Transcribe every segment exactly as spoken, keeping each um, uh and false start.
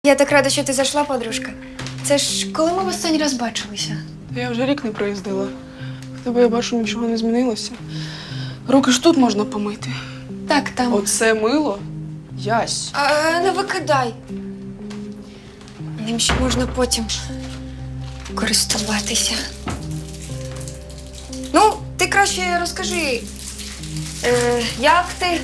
Я так рада, що ти зайшла, подружка. Це ж коли ми в останній раз бачилися? Я вже рік не проїздила. В тебе, я бачу, нічого не змінилося. Руки ж тут можна помити. Так, там. Оце мило? Ясь. А, не викидай. Ним ще можна потім користуватися. Ну, ти краще розкажи, е, як ти?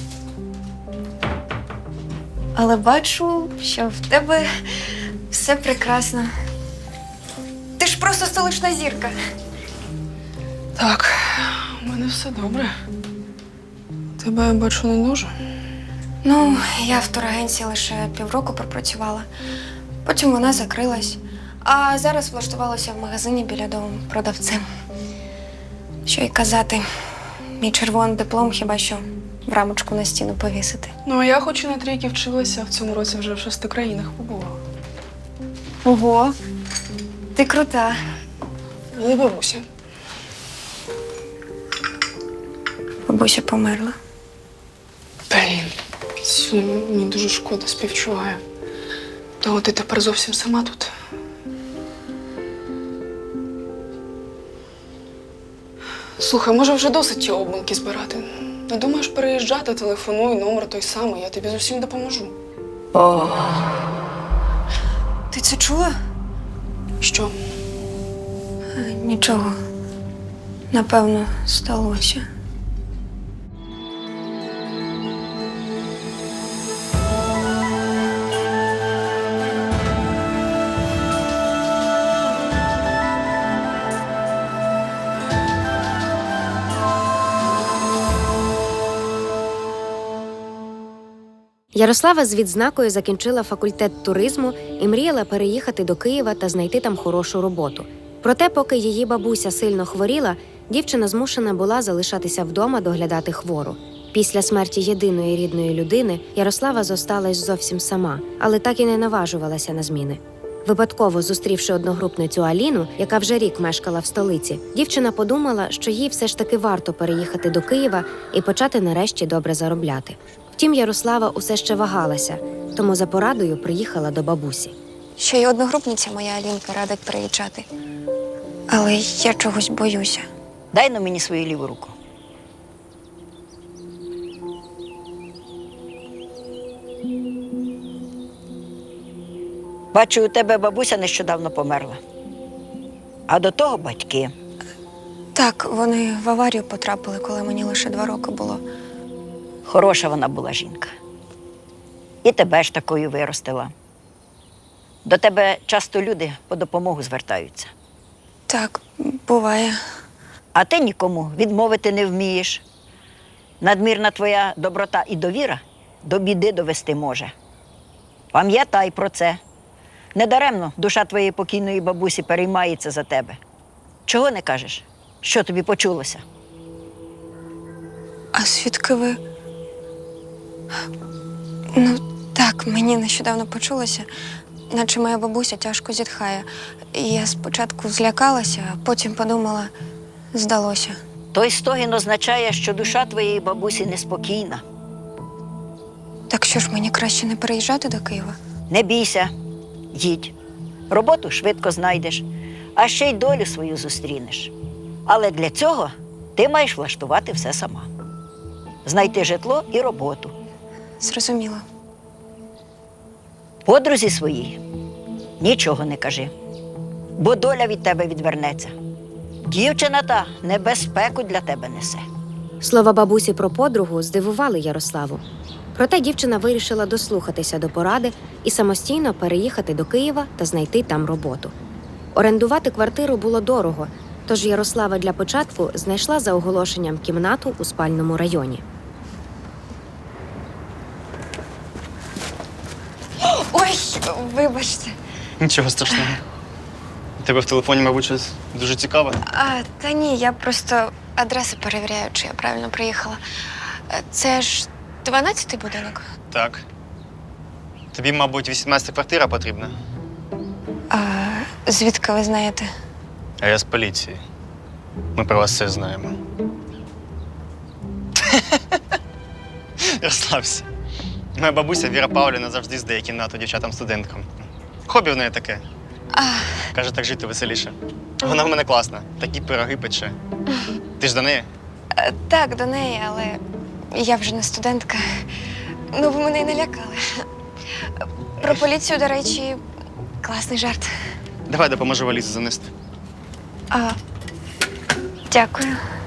Але бачу, що в тебе все прекрасно. Ти ж просто столична зірка. Так, у мене все добре. Тебе, я бачу, не дуже. Ну, я в турагенції лише півроку пропрацювала. Потім вона закрилась. А зараз влаштувалася в магазині біля дому продавцем. Що й казати, мій червоний диплом хіба що в рамочку на стіну повісити. Ну, а я хоч і на трійки вчилася, в цьому році вже в шести країнах побувала. Ого, ти крута. Але бабуся. Бабуся померла. Блін, Ксю, мені дуже шкода, співчуваю. То ти тепер зовсім сама тут. Слухай, може вже досить ті обманки збирати? Не думаєш переїжджати, телефонуй, номер той самий, я тобі з усім допоможу. О. Ти це чула? Що? Е, Нічого. Напевно, сталося. Ярослава з відзнакою закінчила факультет туризму і мріяла переїхати до Києва та знайти там хорошу роботу. Проте, поки її бабуся сильно хворіла, дівчина змушена була залишатися вдома доглядати хвору. Після смерті єдиної рідної людини Ярослава зосталась зовсім сама, але так і не наважувалася на зміни. Випадково зустрівши одногрупницю Аліну, яка вже рік мешкала в столиці, дівчина подумала, що їй все ж таки варто переїхати до Києва і почати нарешті добре заробляти. Втім, Ярослава усе ще вагалася, тому за порадою приїхала до бабусі. Ще й одногрупниця моя Алінка радить приїжджати. Але я чогось боюся. Дай на мені свою ліву руку. Бачу, у тебе бабуся нещодавно померла. А до того батьки. Так, вони в аварію потрапили, коли мені лише два роки було. Хороша вона була жінка. І тебе ж такою виростила. До тебе часто люди по допомогу звертаються. Так, буває. А ти нікому відмовити не вмієш. Надмірна твоя доброта і довіра до біди довести може. Пам'ятай про це. Недаремно душа твоєї покійної бабусі переймається за тебе. Чого не кажеш? Що тобі почулося? А звідки ви? Ну, так, мені нещодавно почулося, наче моя бабуся тяжко зітхає. І я спочатку злякалася, а потім подумала, здалося. Той стогін означає, що душа твоєї бабусі неспокійна. Так що ж, мені краще не переїжджати до Києва? Не бійся, їдь. Роботу швидко знайдеш, а ще й долю свою зустрінеш. Але для цього ти маєш влаштувати все сама. Знайти житло і роботу. Зрозуміла. Подрузі своїй нічого не кажи, бо доля від тебе відвернеться. Дівчина та небезпеку для тебе несе. Слова бабусі про подругу здивували Ярославу. Проте дівчина вирішила дослухатися до поради і самостійно переїхати до Києва та знайти там роботу. Орендувати квартиру було дорого, тож Ярослава для початку знайшла за оголошенням кімнату у спальному районі. Ой, вибачте. Нічого страшного. У тебе в телефоні, мабуть, щось дуже цікаве. А, та ні, я просто адреси перевіряю, чи я правильно приїхала. Е, Це ж дванадцятий будинок. Так. Тобі, мабуть, вісімнадцята квартира потрібна. А звідки ви знаєте? А я з поліції. Ми про вас все знаємо. Розслабся. Моя бабуся Віра Павлівна завжди здає кімнату дівчатам-студенткам. Хобі в неї таке. Каже, так жити веселіше. Вона в мене класна, такі пироги пече. Ти ж до неї? Е, Так, до неї, але я вже не студентка. Ну, ви мене й не лякали. Про поліцію, до речі, класний жарт. Давай допоможу валізу занести. А, дякую.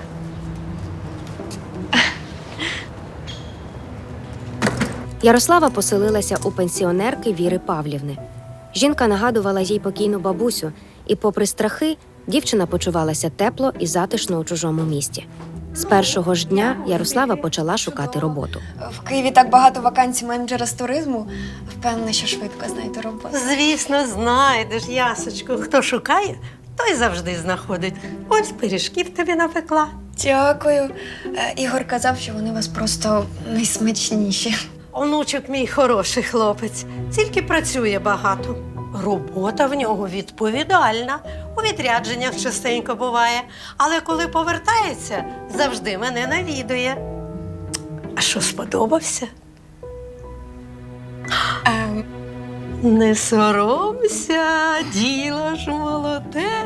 Ярослава поселилася у пенсіонерки Віри Павлівни. Жінка нагадувала їй покійну бабусю, і, попри страхи, дівчина почувалася тепло і затишно у чужому місті. З першого ж дня Ярослава почала шукати роботу. В Києві так багато вакансій менеджера з туризму. Впевнена, що швидко знайду роботу. Звісно, знайдеш, Ясочку. Хто шукає, той завжди знаходить. Ось пиріжків тобі напекла. Дякую. Е, Ігор казав, що вони у вас просто найсмачніші. Онучок мій хороший хлопець, тільки працює багато. Робота в нього відповідальна. У відрядженнях частенько буває. Але коли повертається, завжди мене навідує. А що, сподобався? Ем, Не соромся, діло ж молоде.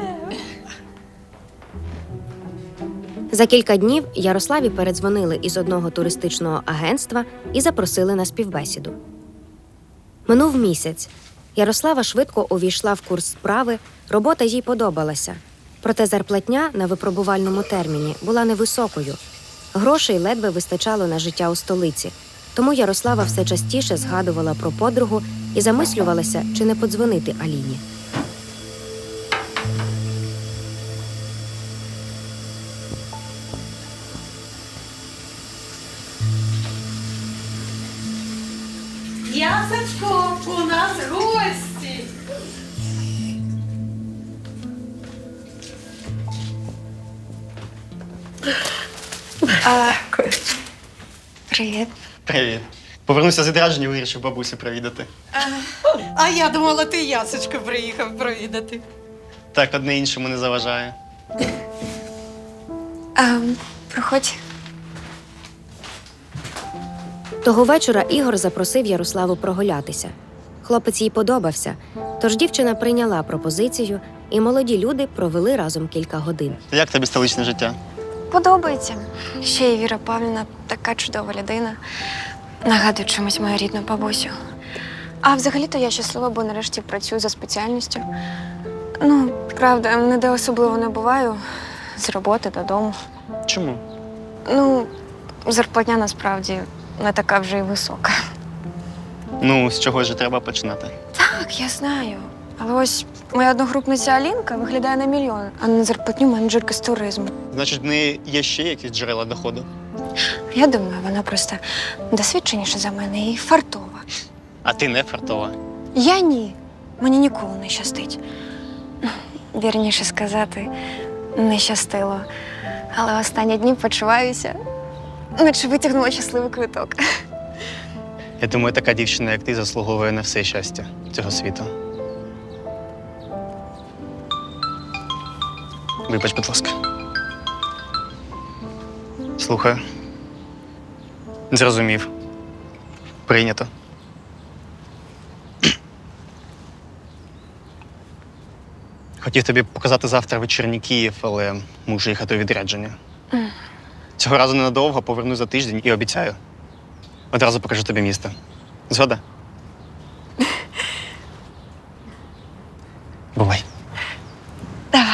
За кілька днів Ярославі передзвонили із одного туристичного агентства і запросили на співбесіду. Минув місяць. Ярослава швидко увійшла в курс справи, робота їй подобалася. Проте зарплатня на випробувальному терміні була невисокою. Грошей ледве вистачало на життя у столиці, тому Ярослава все частіше згадувала про подругу і замислювалася, чи не подзвонити Аліні. Ясочко, у нас гості. а, привіт. Привіт. Повернувся з відрядження і вирішив бабусі провідати. А я думала, ти Ясочку приїхав провідати. Так, одне іншому не заважає. Ем, проходь. Того вечора Ігор запросив Ярославу прогулятися. Хлопець їй подобався, тож дівчина прийняла пропозицію, і молоді люди провели разом кілька годин. Як тобі столичне життя? Подобається. Ще й Віра Павлівна така чудова людина. Нагадує чимось мою рідну бабусю. А взагалі-то я щаслива, бо нарешті працюю за спеціальністю. Ну, правда, ніде особливо не буваю. З роботи додому. Чому? Ну, зарплатня насправді не така вже й висока. Ну, з чогось же треба починати. Так, я знаю. Але ось моя одногрупниця Алінка виглядає на мільйон, а не на зарплатню менеджерки з туризму. Значить, в неї є ще якісь джерела доходу? Я думаю, вона просто досвідченіша за мене і фартова. А ти не фартова. Я ні. Мені ніколи не щастить. Вірніше сказати, не щастило. Але останні дні почуваюся, наче витягнула щасливий квиток. Я думаю, така дівчина, як ти, заслуговує на все щастя цього світу. Вибач, будь ласка. Слухаю. Зрозумів. Прийнято. Хотів тобі показати завтра вечірній Київ, але мушу їхати у відрядження. Mm. Цього разу ненадовго, повернусь за тиждень і обіцяю. Одразу покажу тобі місто. Згода? Бувай. Давай.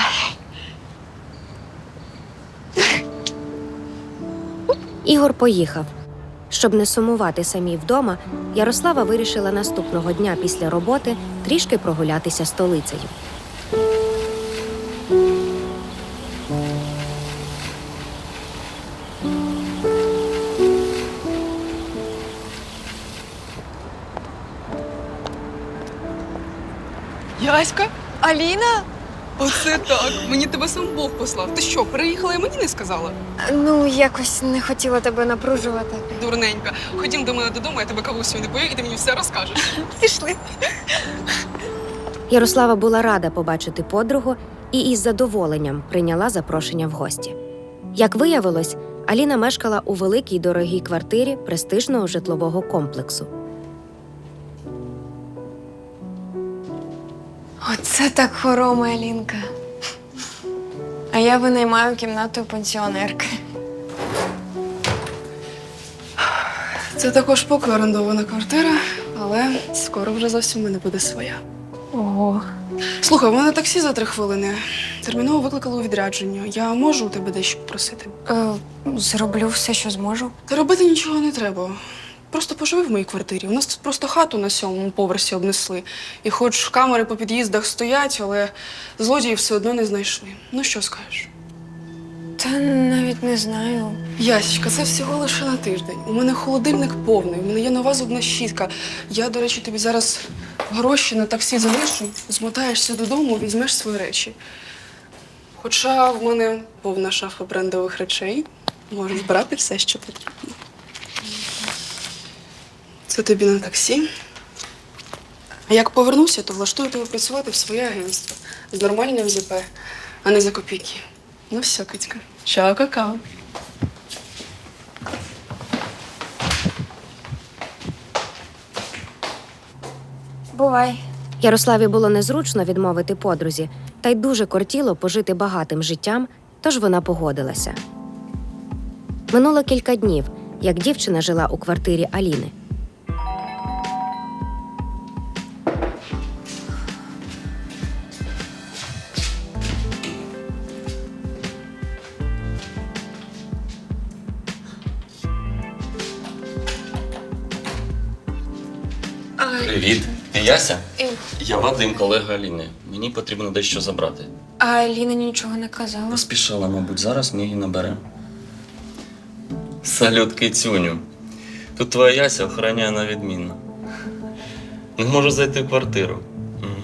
Ігор поїхав. Щоб не сумувати самій вдома, Ярослава вирішила наступного дня після роботи трішки прогулятися столицею. Яська? Аліна? Оце так. Мені тебе сам Бог послав. Ти що, переїхала і мені не сказала? Ну, якось не хотіла тебе напружувати. Дурненька. Ходім до мене додому, я тебе кавусю не пою, і ти мені все розкажеш. Пішли. Ярослава була рада побачити подругу і із задоволенням прийняла запрошення в гості. Як виявилось, Аліна мешкала у великій дорогій квартирі престижного житлового комплексу. Оце так хорома, Алінка. А я винаймаю кімнату у пенсіонерки. Це також поки орендована квартира, але скоро вже зовсім в мене буде своя. Ого. Слухай, у мене таксі за три хвилини. Терміново викликали у відрядження. Я можу у тебе дещо попросити? Е, зроблю все, що зможу. Та робити нічого не треба. Просто поживи в моїй квартирі. У нас тут просто хату на сьомому поверсі обнесли. І хоч камери по під'їздах стоять, але злодіїв все одно не знайшли. Ну що скажеш? Та навіть не знаю. Ясічка, це всього лише на тиждень. У мене холодильник повний, у мене є нова зубна щітка. Я, до речі, тобі зараз гроші на таксі залишу, змотаєшся додому, візьмеш свої речі. Хоча в мене повна шафа брендових речей. Можеш брати все, що потрібно. Це тобі на таксі. А як повернуся, то влаштую тебе працювати в своє агентство з нормальним ЗП, а не за копійки. Ну все, Китька. Чао, какао. Бувай. Ярославі було незручно відмовити подрузі, та й дуже кортіло пожити багатим життям, тож вона погодилася. Минуло кілька днів, як дівчина жила у квартирі Аліни. Привіт, ти Яся? Е. Я Вадим, колега Аліни. Мені потрібно дещо забрати. А Аліна нічого не казала. Поспішала, мабуть, зараз ми її наберемо. Салют, кицюню. Тут твоя Яся охороняє на відмінно. Не можу зайти в квартиру. М.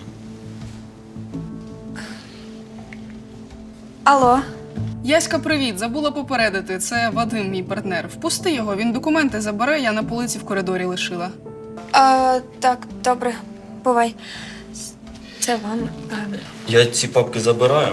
Алло. Яська, привіт. Забула попередити. Це Вадим, мій партнер. Впусти його, він документи забере, я на полиці в коридорі лишила. А, так, добре. Бувай. Це вам. А, Я ці папки забираю.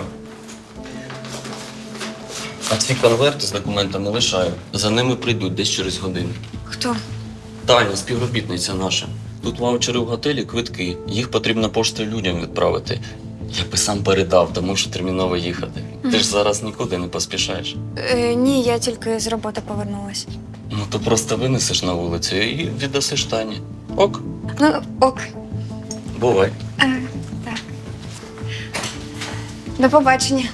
А ці конверти з документами лишаю. За ними прийдуть десь через годину. хто? Таня, співробітниця наша. Тут ваучери в готелі, квитки. Їх потрібно поштою людям відправити. Я би сам передав, тому що терміново їхати. Ти ж зараз нікуди не поспішаєш. Е, ні, я тільки з роботи повернулась. Ну то просто винесеш на вулицю і віддасиш Тані. Ок, Ну, ок. бувай. Е, так. До побачення.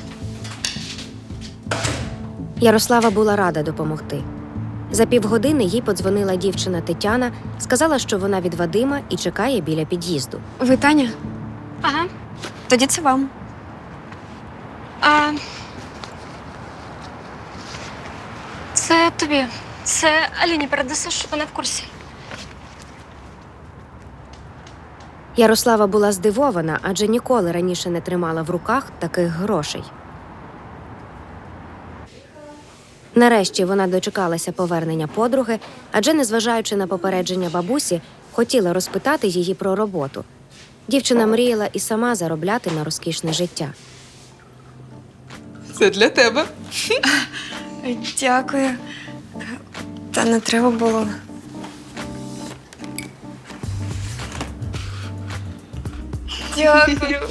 Ярослава була рада допомогти. За півгодини їй подзвонила дівчина Тетяна, сказала, що вона від Вадима і чекає біля під'їзду. Ви Таня? Ага. Тоді це вам. А... Це тобі. Це Аліні передасиш, вона в курсі. Ярослава була здивована, адже ніколи раніше не тримала в руках таких грошей. Нарешті вона дочекалася повернення подруги, адже, незважаючи на попередження бабусі, хотіла розпитати її про роботу. Дівчина мріяла і сама заробляти на розкішне життя. Це для тебе. Дякую. Та не треба було. Дякую.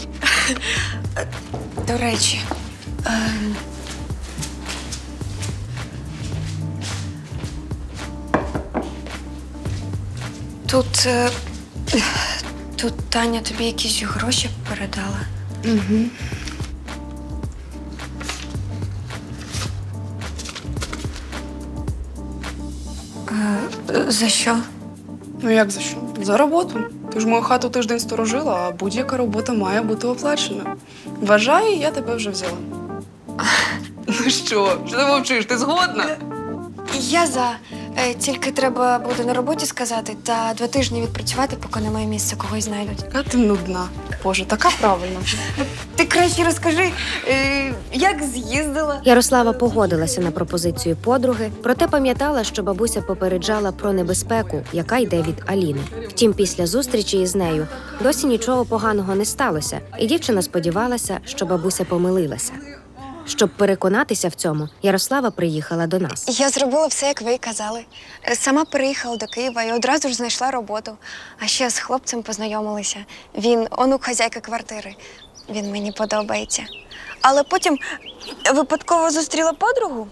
До речі. ем, Тут. е, Тут Таня тобі якісь гроші передала. Угу. Е, За що? Ну як за що? За роботу. Ти ж мою хату тиждень сторожила, а будь-яка робота має бути оплачена. Вважаю, я тебе вже взяла. Ну що, що ти мовчиш? Ти згодна? Я за. Е, Тільки треба буде на роботі сказати та два тижні відпрацювати, поки немає місця, когось знайдуть. Яка ти нудна. Боже, така правильна. Ти краще розкажи, е, як з'їздила. Ярослава погодилася на пропозицію подруги, проте пам'ятала, що бабуся попереджала про небезпеку, яка йде від Аліни. Втім, після зустрічі із нею досі нічого поганого не сталося, і дівчина сподівалася, що бабуся помилилася. Щоб переконатися в цьому, Ярослава приїхала до нас. Я зробила все, як ви й казали. Сама переїхала до Києва і одразу ж знайшла роботу. А ще з хлопцем познайомилася. Він онук хазяйки квартири. Він мені подобається. Але потім випадково зустріла подругу.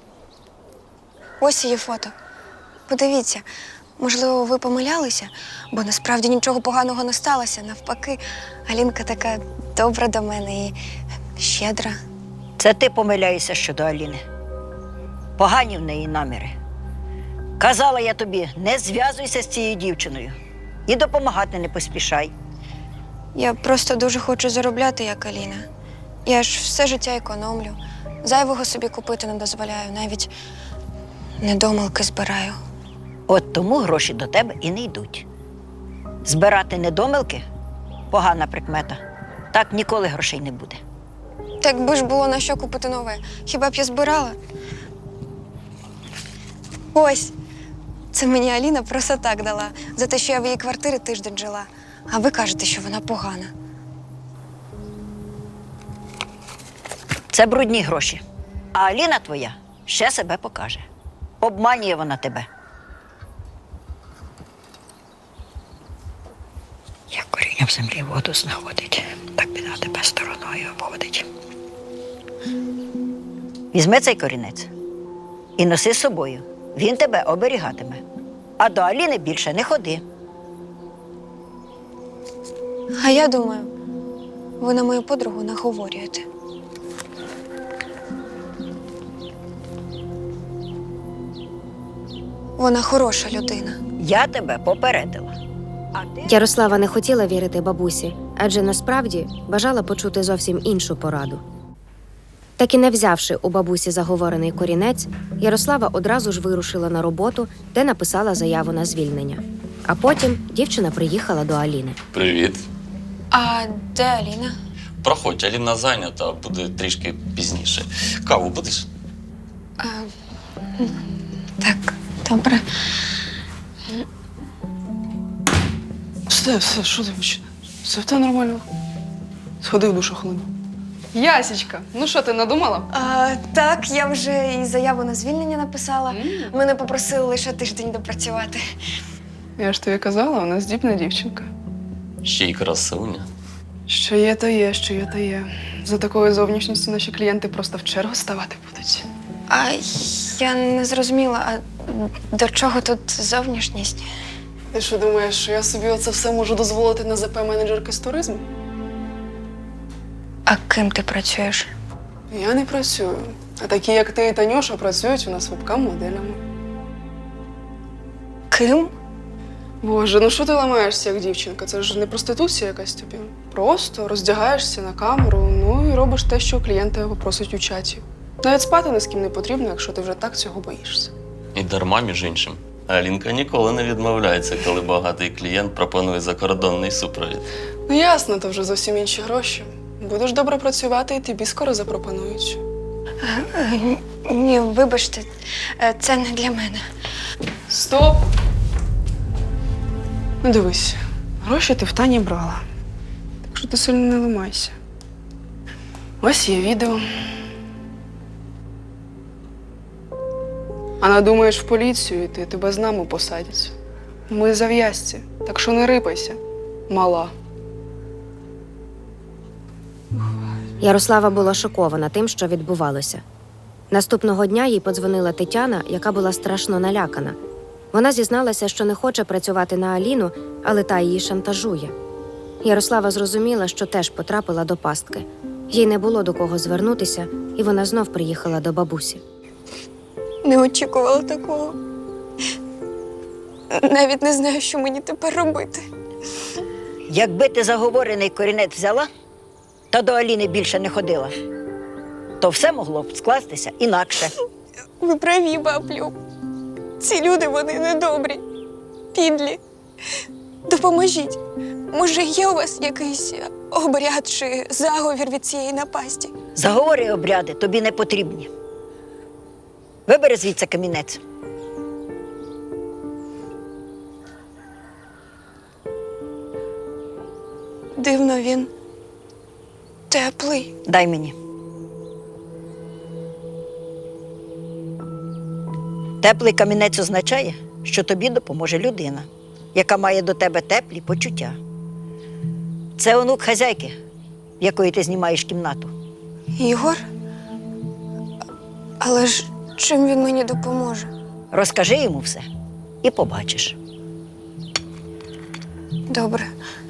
Ось її фото. Подивіться, можливо, ви помилялися, бо насправді нічого поганого не сталося. Навпаки, Алінка така добра до мене і щедра. Це ти помиляєшся щодо Аліни. Погані в неї наміри. Казала я тобі, не зв'язуйся з цією дівчиною і допомагати не поспішай. Я просто дуже хочу заробляти, як Аліна. Я ж все життя економлю. Зайвого собі купити не дозволяю, навіть недомалки збираю. От тому гроші до тебе і не йдуть. Збирати недомилки – погана прикмета. Так ніколи грошей не буде. Так би ж було на що купити нове. Хіба б я збирала? Ось, це мені Аліна просто так дала, за те, що я в її квартирі тиждень жила. А ви кажете, що вона погана. Це брудні гроші. А Аліна твоя ще себе покаже. Обманює вона тебе. Як коріння в землі воду знаходить, так біда тебе стороною обводить. Візьми цей корінець і носи з собою. Він тебе оберігатиме. А до Аліни більше не ходи. А я думаю, ви на мою подругу наговорюєте. Вона хороша людина. Я тебе попередила. А ти... Ярослава не хотіла вірити бабусі, адже насправді бажала почути зовсім іншу пораду. Так і не взявши у бабусі заговорений корінець, Ярослава одразу ж вирушила на роботу, де написала заяву на звільнення. А потім дівчина приїхала до Аліни. Привіт. А де Аліна? Проходь, Аліна зайнята, буде трішки пізніше. Каву будеш? А, так, добре. Все, все, що ти починаєш? Все в тебе нормально. Сходи в душу хвилину. Ясічка, ну що ти надумала? А, так, я вже і заяву на звільнення написала. Мене попросили лише тиждень допрацювати. Я ж тобі казала, вона здібна дівчинка. Ще й красуня. Що є, то є, що є, то є. За такою зовнішністю наші клієнти просто в чергу ставати будуть. А я не зрозуміла, а до чого тут зовнішність? Ти що думаєш, що я собі оце все можу дозволити на ЗП-менеджерки з туризму? А ким ти працюєш? Я не працюю. А такі, як ти і Танюша, працюють у нас вебкам-моделями. Ким? Боже, ну що ти ламаєшся, як дівчинка? Це ж не проституція якась тобі. Просто роздягаєшся на камеру, ну і робиш те, що клієнти попросять у чаті. Навіть спати ні з ким не потрібно, якщо ти вже так цього боїшся. І дарма, між іншим. Алінка ніколи не відмовляється, коли багатий клієнт пропонує закордонний супровід. Ну ясно, то вже зовсім інші гроші. Будеш добре працювати, і тобі скоро запропонують. Е, Ні, вибачте, е, це не для мене. Стоп! Ну дивись, гроші ти в Тані брала. Так що ти сильно не ламайся. Ось є відео. А надумаєш в поліцію йти, тебе з нами посадять. Ми зав'язці, так що не рипайся, мала. Ярослава була шокована тим, що відбувалося. Наступного дня їй подзвонила Тетяна, яка була страшно налякана. Вона зізналася, що не хоче працювати на Аліну, але та її шантажує. Ярослава зрозуміла, що теж потрапила до пастки. Їй не було до кого звернутися, і вона знов приїхала до бабусі. Не очікувала такого. Навіть не знаю, що мені тепер робити. Якби ти заговорений корінець взяла, та до Аліни більше не ходила, то все могло б скластися інакше. Ви праві, баблю. Ці люди, вони недобрі, підлі. Допоможіть. Може, є у вас якийсь обряд чи заговір від цієї напасті? Заговори і обряди тобі не потрібні. Вибери звідси камінець. Дивно, він теплий. Дай мені. Теплий камінець означає, що тобі допоможе людина, яка має до тебе теплі почуття. Це онук хазяйки, в якої ти знімаєш кімнату. Ігор? Але ж чим він мені допоможе? Розкажи йому все і побачиш. Добре.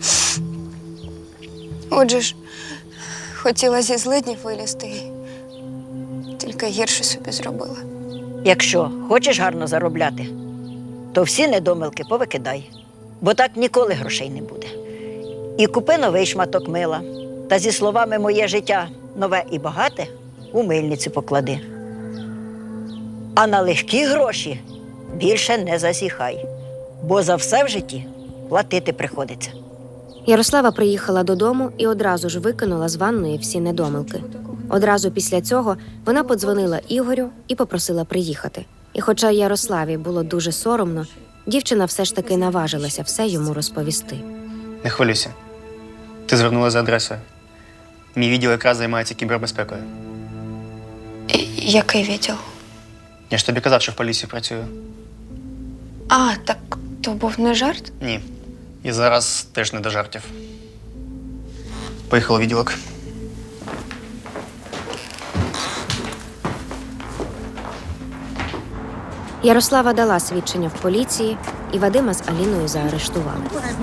Отже ж, хотіла зі злиднів вилізти, і тільки гірше собі зробила. Якщо хочеш гарно заробляти, то всі недомилки повикидай, бо так ніколи грошей не буде. І купи новий шматок мила, та зі словами «моє життя нове і багате» у мильницю поклади. А на легкі гроші більше не засіхай, бо за все в житті платити приходиться. Ярослава приїхала додому і одразу ж викинула з ванної всі недомилки. Одразу після цього вона подзвонила Ігорю і попросила приїхати. І хоча Ярославі було дуже соромно, дівчина все ж таки наважилася все йому розповісти. Не хвилюйся. Ти звернула за адресою. Мій відділ якраз займається кібербезпекою. І який відділ? Я ж тобі казав, що в поліції працюю. А, так то був не жарт? Ні. І зараз теж не до жартів. Поїхали у відділок. Ярослава дала свідчення в поліції, і Вадима з Аліною заарештували.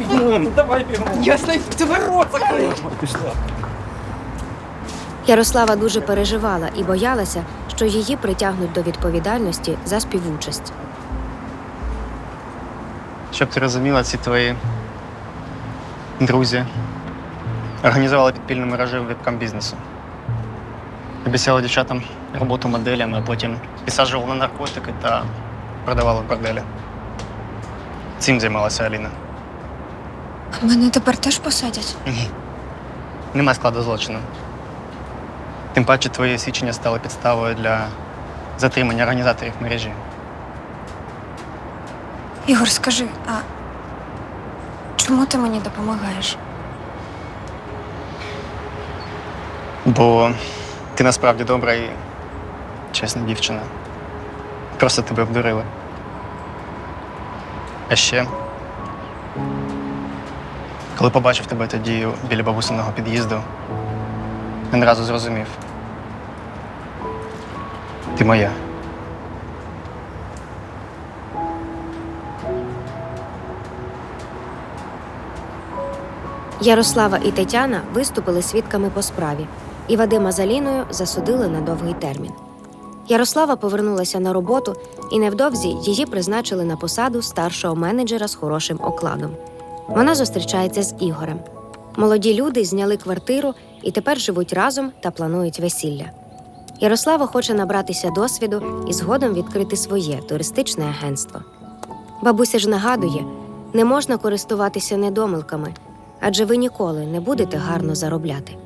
Ярослава дуже переживала і боялася, що її притягнуть до відповідальності за співучасть. Щоб ти розуміла, ці твої друзі організували підпільну мережу вебкам-бізнесу. Обіцяли дівчатам роботу моделями, а потім підсаджували на наркотики та продавали в борделі. Цим займалася Аліна. А мене тепер теж посадять? Ні. Нема складу злочину. Тим паче твої свідчення стали підставою для затримання організаторів мережі. Ігор, скажи, а чому ти мені допомагаєш? Бо ти насправді добра і чесна дівчина. Просто тебе обдурили. А ще, коли побачив тебе тоді біля бабусиного під'їзду, він одразу зрозумів. Ти моя. Ярослава і Тетяна виступили свідками по справі, і Вадима з Аліною засудили на довгий термін. Ярослава повернулася на роботу, і невдовзі її призначили на посаду старшого менеджера з хорошим окладом. Вона зустрічається з Ігорем. Молоді люди зняли квартиру і тепер живуть разом та планують весілля. Ярослава хоче набратися досвіду і згодом відкрити своє туристичне агентство. Бабуся ж нагадує, не можна користуватися недомилками, адже ви ніколи не будете гарно заробляти.